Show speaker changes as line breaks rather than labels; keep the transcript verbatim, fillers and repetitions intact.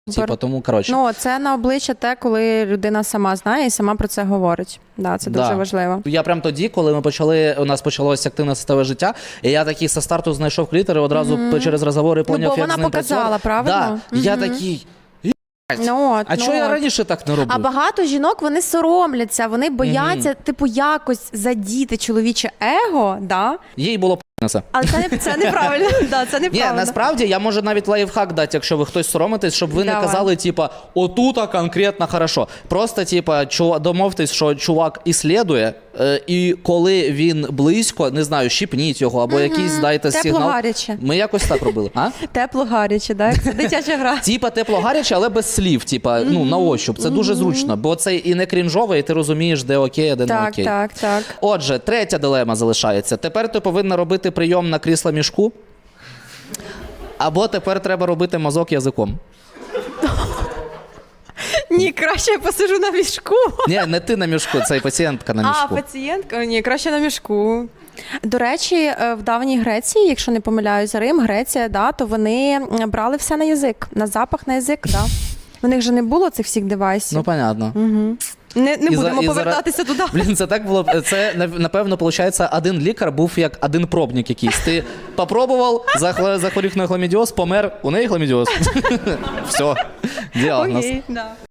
Типу, тому, коротше.
Ну, це на обличчя те, коли людина сама знає і сама про це говорить. Да, це дуже
Да.
важливо.
Я прям тоді, коли ми почали, у нас почалося активне статеве життя, і я такий со старту знайшов клітер і одразу mm-hmm. через розговори
Ну,
поняв,
бо
як
вона
з ним
показала,
працювати.
правильно?
Да.
Mm-hmm.
Я такий,
Ну, от,
а
ну,
чого я
от.
раніше так не робив?
А багато жінок, вони соромляться, вони бояться, mm-hmm. типу, якось задіти чоловіче его, да?
Їй було п***неся.
Але це, не, це неправильно. Да, це
Ні,
неправильно.
насправді я можу навіть лайфхак дати, якщо ви хтось соромитесь, щоб ви
Давай.
не казали, типа, отута конкретно хорошо. Просто, типа, чу- домовтесь, що чувак іслідує, е, і коли він близько, не знаю, щіпніть його, або якийсь дайте
Тепло
сигнал.
гаряче.
Ми якось так робили. А?
Тепло гаряче, да? Це дитяча гра.
Типа тепло-гаряче, але без слів, типа, ну, на ощуп. Це дуже зручно, бо це і не крінжове, і ти розумієш, де окей, а де не
Так,
окей.
так, так.
Отже, третя дилема залишається. Тепер ти повинна робити прийом на крісло мішку, або тепер треба робити мазок язиком.
Ні, краще я посижу на мішку.
Ні, не ти на мішку, це і пацієнтка на мішку.
А, пацієнтка? Ні, краще на мішку. До речі, в давній Греції, якщо не помиляюсь, Рим, Греція, да, то вони брали все на язик, на запах, на язик, да. У них же не було цих всіх девайсів.
Ну, понятно.
Угу. Не, не
І за-
будемо
і
повертатися туди.
Блін, це так було. Це, напевно, виходить, один лікар був як один пробник якийсь. Ти попробував, захворів на хламідіоз, помер, у неї хламідіоз. Все, діагноз.
Окей, да.